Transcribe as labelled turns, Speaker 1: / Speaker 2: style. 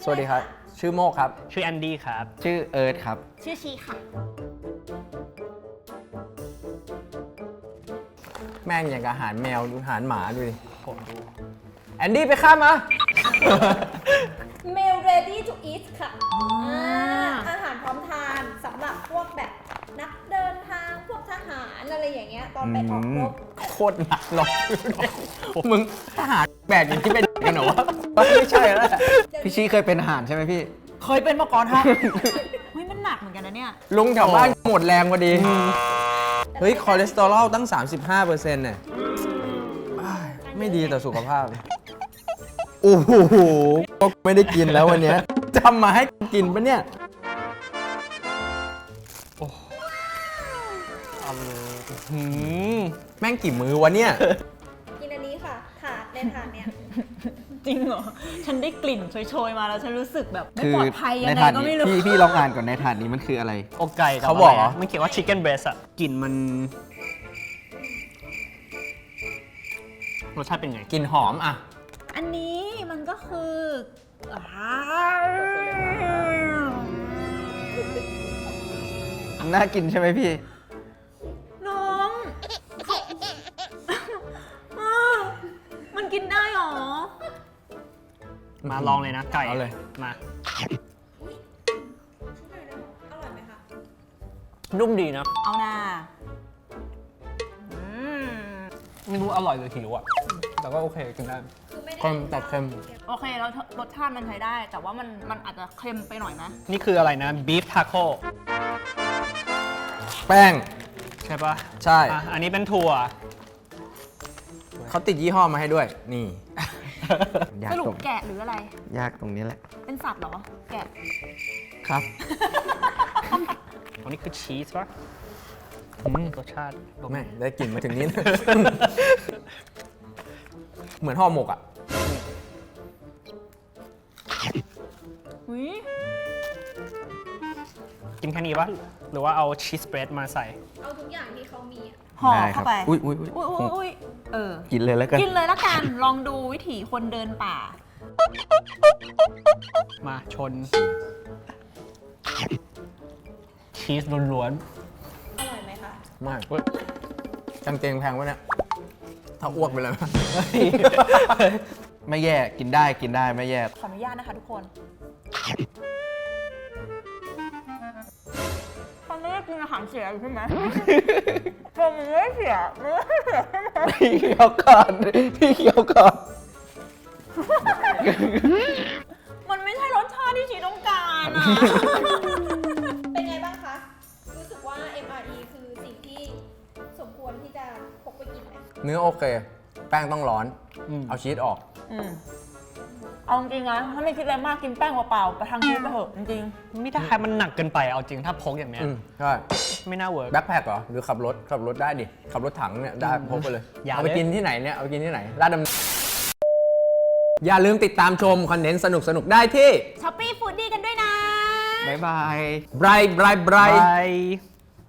Speaker 1: วัสดีครับชื่อโมกครับ
Speaker 2: ชื่อแอนดี้ครับ
Speaker 3: ชื่อเอิร์ธครับ
Speaker 4: ชื่อชีค่ะ
Speaker 1: แม่งอย่างกับอาหารแมวดูอาหารหมาดูดิ
Speaker 2: ผมดู
Speaker 1: แอนดี้ไปข้ามมา
Speaker 4: Meal ready to eat ค่ะอาหารพร้อมทานสำหรับพวกแบบนักเดินทางพวกทหารอะไรอย่างเงี้ยตอนไปออกรบ
Speaker 1: โคตรหนักหรอกมึงทหารแบกอย่างที่เป็นกันเหรอวะไม่ใช่แล้ว
Speaker 3: พี่ชี้เคยเป็นทหารใช่ไหมพี่
Speaker 4: เคยเป็นมาก่อนฮะเฮ้ยมันหนักเหมือนกันนะเนี่ย
Speaker 1: ลุงแถวบ้านหมดแรงพอดีเฮ้ยคอเลสเตอรอลตั้ง 35%เนี่ยไม่ดีต่อสุขภาพโอ้โหก็ไม่ได้กินแล้ววันนี้จำมาให้กินปะเนี่ยแม่งกี่มือวะเนี่ย
Speaker 4: กินอันนี้ค่ะถาดในถาดเนี้ย
Speaker 5: จริงเหรอ ฉันได้กลิ่นโชยๆมาแล้วฉันรู้สึกแบบไม่
Speaker 3: คือ
Speaker 5: ปลอดภัยยัง
Speaker 3: ใน
Speaker 5: ไง
Speaker 3: ถาด
Speaker 5: ก็
Speaker 3: นี้
Speaker 5: ไม่รู้
Speaker 3: พี่ลองอ่านก่อนในถาดนี้มันคืออะไร
Speaker 2: อกไก่กับ
Speaker 1: เขาบอกเหรอ
Speaker 2: ะไรนะมันเขียนว่า chicken breast อะกลิ่นมันรสชาติเป็นไง
Speaker 1: กลิ่นหอมอ่ะ
Speaker 5: อันนี้มันก็คือ
Speaker 3: น่ากินใช่ไหมพี่
Speaker 5: น้องมันกินได้หรอ
Speaker 2: มาลองเลยนะไก่
Speaker 1: เอาเลย
Speaker 2: มา
Speaker 4: อร่อยไหมคะ
Speaker 2: นุ่มดีนะ
Speaker 5: เอาหน้า
Speaker 2: ไม่รู้อร่อยหรือหิวอะแต่ก็โอเคกินได้
Speaker 4: คือไม่ได้
Speaker 1: เค็มแต่เค็ม
Speaker 5: โอเคแล้วรสชาติมันใช้ได้ แต่ว่ามันอาจจะเค็มไปหน่อยนะ
Speaker 2: นี่คืออะไรนะ beef taco
Speaker 1: แป้ง
Speaker 2: ใช่ปะ
Speaker 1: ใช่
Speaker 2: อ่ะอันนี้เป็นถั่ว
Speaker 1: เขาติดยี่ห้อมาให้ด้วย นี่
Speaker 3: ยาก
Speaker 5: สรุป
Speaker 3: ตรง
Speaker 5: แกะหรืออะไร
Speaker 3: ยากตรงนี้แหละ
Speaker 5: เป็นสัตว์เหรอ แกะ
Speaker 3: ครับ
Speaker 2: อันนี้คือชีสปะรสชาติลง
Speaker 1: แม่ได้กลิ่นมาถึงนี้ เหมือนห่อหมกอ่ะ
Speaker 5: อุ้ย
Speaker 2: กินแค่นี้ปะหรือว่าเอาชีสเบรดมาใส่
Speaker 4: เอาทุกอย่างที่เขามีอะ
Speaker 5: ห่อ
Speaker 3: ได้ครั
Speaker 5: เข้าไป
Speaker 3: อุ้ยอุ้ย
Speaker 5: อุ้ยอุ้ยเออ
Speaker 3: กินเลยแล้วกัน
Speaker 5: กินเลยละกัน ลองดูวิถีคนเดินป่า
Speaker 2: มาชน ชีสล้วน
Speaker 4: อร่อยไหมคะ
Speaker 1: มากกางเกงแพงวะเนี่ย ถ้าอ้วกไปเลย
Speaker 3: ไม่แย่กินได้ไม่แย่
Speaker 5: ขออนุญาตนะคะทุกคนตอนนี้กินอาหารเสียอยู่ใช่ไหมเธอมึงไม่เสียมึงไม่เสียใช่ไหม
Speaker 3: พี่เคี้ยวก่อนพี่เคี้ยวก่อน
Speaker 5: มันไม่ใช่รสชาติที่ชีต้องการอะ
Speaker 4: เป็นไงบ้างคะ รู้สึกว่า MRE คือสิ่งที่สมควรที่จะพกไปกินไหม
Speaker 1: เนื้อโอเค แป้งต้องร้อน
Speaker 2: ๆอืม
Speaker 1: เอาชีสออก
Speaker 5: เอาจริงๆนะถ้าไม่คิดอะไรมากกินแป้งเปล่าๆประทังชีวิตไปเถอะจริง
Speaker 2: ไม่ได้มันหนักเกินไปเอาจริงถ้าพกอย่างเนี้ย
Speaker 1: ใช่
Speaker 2: ไม่น่าเวิร์ก
Speaker 1: แบ็คแพคเหรอ หรือขับรถได้ดิ ขับรถถังเนี่ย ได้พกไปเลย
Speaker 2: อย่า
Speaker 1: เอาไป
Speaker 2: เลย
Speaker 1: กินที่ไหนเนี่ย เอาไปกินที่ไหนลาดดำอย่าลืมติดตามชมคอนเทนต์สนุกๆ ได้ที่
Speaker 5: ๆช้อปปี้ฟูดดี้กันด้วยนะ
Speaker 3: บ๊ายบาย
Speaker 1: Bright
Speaker 2: บาย